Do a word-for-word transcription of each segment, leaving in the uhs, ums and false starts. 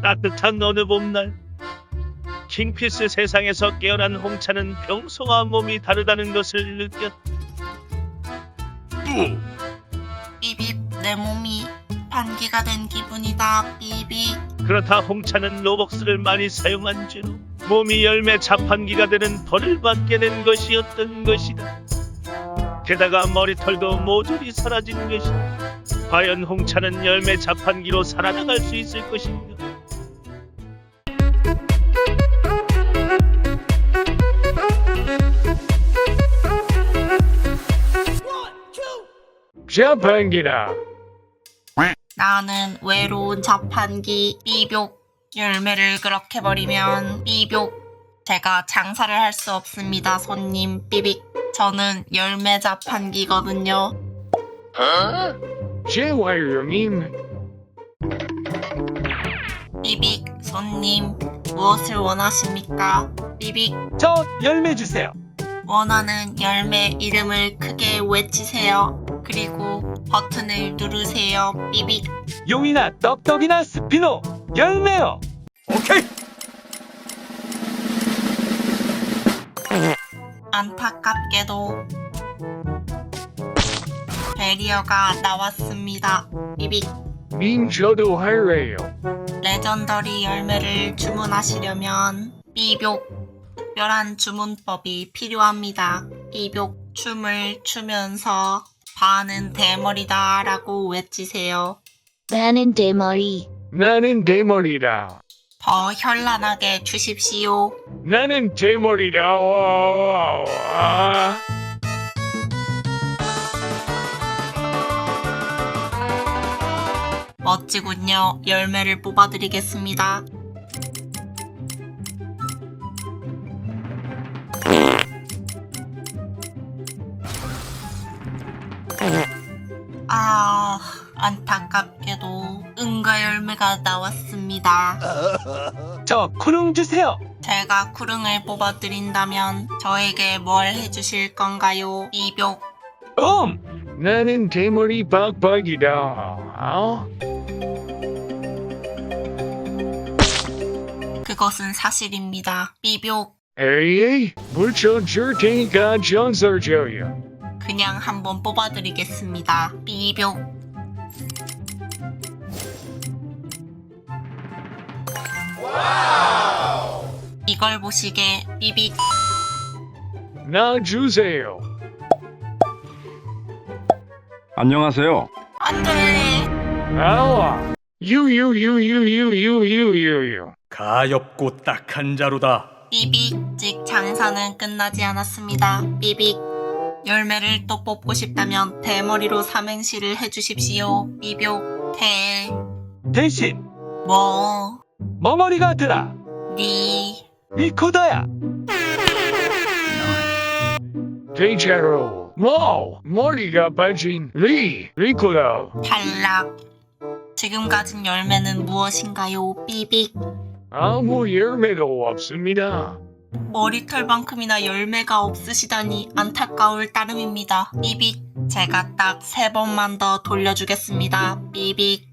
따뜻한 어느 봄날 킹피스 세상에서 깨어난 홍차는 평소와 몸이 다르다는 것을 느꼈다. 삐빕, 내 몸이 반기가 된 기분이다. 삐빕. 그렇다 홍차는 로벅스를 많이 사용한 죄로 몸이 열매 자판기가 되는 벌을 받게 된 것이었던 것이다. 게다가 머리털도 모조리 사라진 것이다. 과연 홍차는 열매 자판기로 살아나갈 수 있을 것인가? 자판기다. 나는 외로운 자판기. 삐뿅. 열매를 그렇게 버리면 삐뿅. 제가 장사를 할 수 없습니다, 손님. 삐빅. 저는 열매 자판기거든요. 제와요님. 삐빅. 손님, 무엇을 원하십니까? 삐빅. 저 열매 주세요. 원하는 열매 이름을 크게 외치세요. 그리고 버튼을 누르세요. 삐빅. 용이나 떡떡이나 스피노 열매요. 오케이. 안타깝게도 베리어가 나왔습니다. 삐빅. 님 저도 할래요. 레전더리 열매를 주문하시려면 삐뿅. 특별한 주문법이 필요합니다. 삐뿅. 춤을 추면서 반은 대머리다 라고 외치세요. 나는 대머리. 나는 대머리다. 더 현란하게 주십시오. 나는 대머리다. 와. 멋지군요. 열매를 뽑아드리겠습니다. 아, 안타깝게도 응가 열매가 나왔습니다. 저 쿠룽 주세요. 제가 쿠릉을 뽑아드린다면 저에게 뭘 해주실 건가요? 삐뿅. 음. 나는 대머리 빡빡이다. 어? 그것은 사실입니다. 삐뿅. 에이, 물쳐 줄 테니까 전설 줘요. 그냥 한번 뽑아드리겠습니다. 삐뿅. 이걸 보시게. 삐빅. 나 주세요. 안녕하세요. 안돼. 아와. 유유유유유유유유. 가엾고 딱한 자루다. 삐빅. 즉 장사는 끝나지 않았습니다. 삐빅. 열매를 또 뽑고 싶다면 대머리로 삼행시를 해주십시오. 삐뿅. 대. 대신 뭐. 멍어리가 드라. 리. 리코더야. 대자로. 뭐 머리가 빠진 리 리코더. 탈락. 지금 가진 열매는 무엇인가요? 삐빅. 아무 열매도 없습니다. 머리털만큼이나 열매가 없으시다니 안타까울 따름입니다. 삐빅. 제가 딱 세 번만 더 돌려주겠습니다. 삐빅.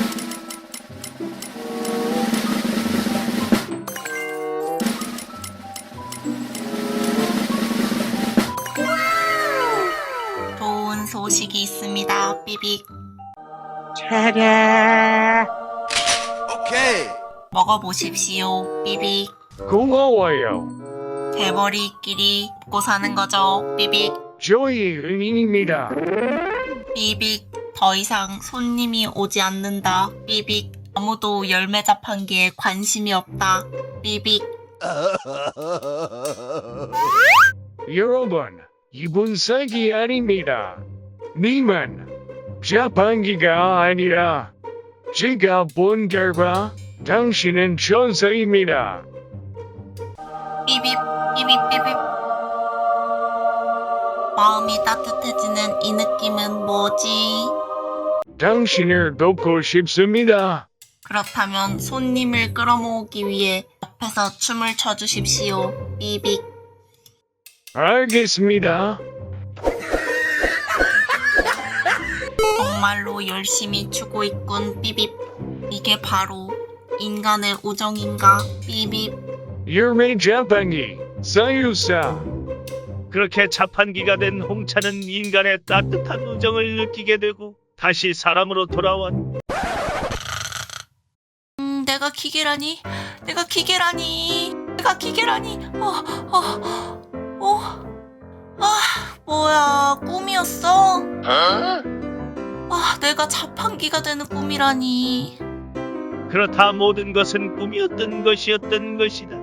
좋은 소식이 있습니다. 삐빅. 차례. 오케이. 먹어보십시오. 삐빅. 고마워요. 대머리끼리 먹고 사는 거죠. 삐빅. 저희 은인입니다. 삐빅. 더 이상 손님이 오지 않는다. 삐빅. 아무도 열매 자판기에 관심이 없다. 삐빅. 여러분, 이분 사기 아닙니다. 님은 자판기가 아니라 제가 본 결과 당신은 천사입니다. 삐빅. 삐빅. 삐빅. 마음이 따뜻해지는 이 느낌은 뭐지? 당신을 돕고 싶습니다. 그렇다면 손님을 끌어모으기 위해 옆에서 춤을 춰주십시오. 삐빅. 알겠습니다. 정말로 열심히 추고 있군. 삐빅. 이게 바로 인간의 우정인가? 삐빕. 열매 자판기 사유사. 그렇게 자판기가 된 홍차는 인간의 따뜻한 우정을 느끼게 되고 다시 사람으로 돌아왔. 음, 내가 기계라니? 내가 기계라니? 내가 기계라니? 어, 어, 어. 아, 뭐야, 꿈이었어? 아, 내가 자판기가 되는 꿈이라니. 그렇다 모든 것은 꿈이었던 것이었던 것이다.